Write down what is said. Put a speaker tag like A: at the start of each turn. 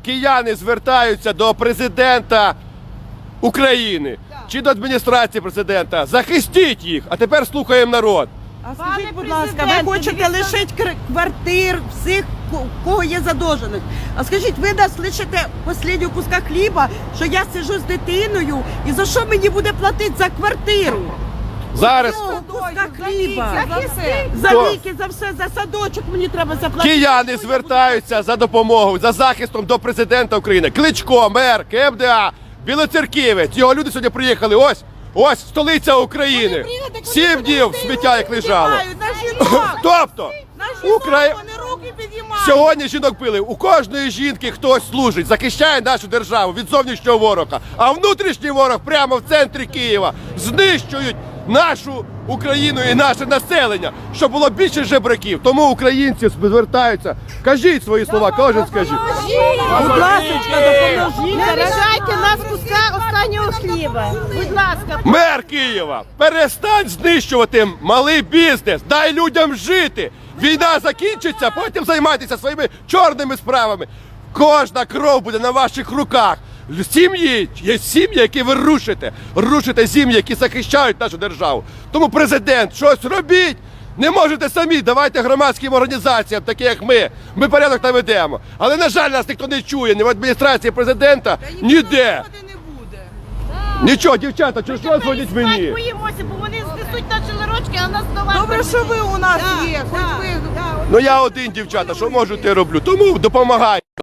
A: кияни звертаються до президента України чи до адміністрації президента. Захистіть їх, а тепер слухаємо народ.
B: А скажіть, будь ласка, ви хочете лишити квартир всіх, у кого є задовженість. А скажіть, ви нас лишите останнього куска хліба, що я сиджу з дитиною, і за що мені буде платити за квартиру?
A: Зараз
B: Куска хліба. За ліки, за все, за садочок мені треба заплатити.
A: кияни звертаються за допомогою, за захистом до президента України. Кличко, мер, КМДА, Білоцерківець. Його люди сьогодні приїхали. Ось столиця України. 7 днів сміття як лежало. Тобто, сьогодні жінок били. У кожної жінки хтось служить, захищає нашу державу від зовнішнього ворога. А внутрішній ворог прямо в центрі Києва знищують нашу Україну і наше населення, щоб було більше жебраків. Тому українці звертаються. Кажіть свої слова, кожен скажіть.
B: Будь ласка, допоможіть.
C: Не лишайте нас куска останнього хліба. Будь ласка.
A: Мер Києва, перестань знищувати малий бізнес, дай людям жити. Війна закінчиться, потім займайтеся своїми чорними справами. Кожна кров буде на ваших руках. Сім'ї, є сім'ї, які ви рушите сім'ї, які захищають нашу державу. Тому президент, щось робіть. Не можете самі, давайте громадським організаціям, такі як ми порядок наведемо. Але, на жаль, нас ніхто не чує, ні в адміністрації президента, ніде. Нічого, дівчата, що дзвоніть мені?
C: Ми боїмося, бо вони знесуть наші ларочки, а нас до вас.
B: Добре, що ви у нас є, хоч ви.
A: Ну я один, дівчата, що можу, те роблю. Тому допомагаю.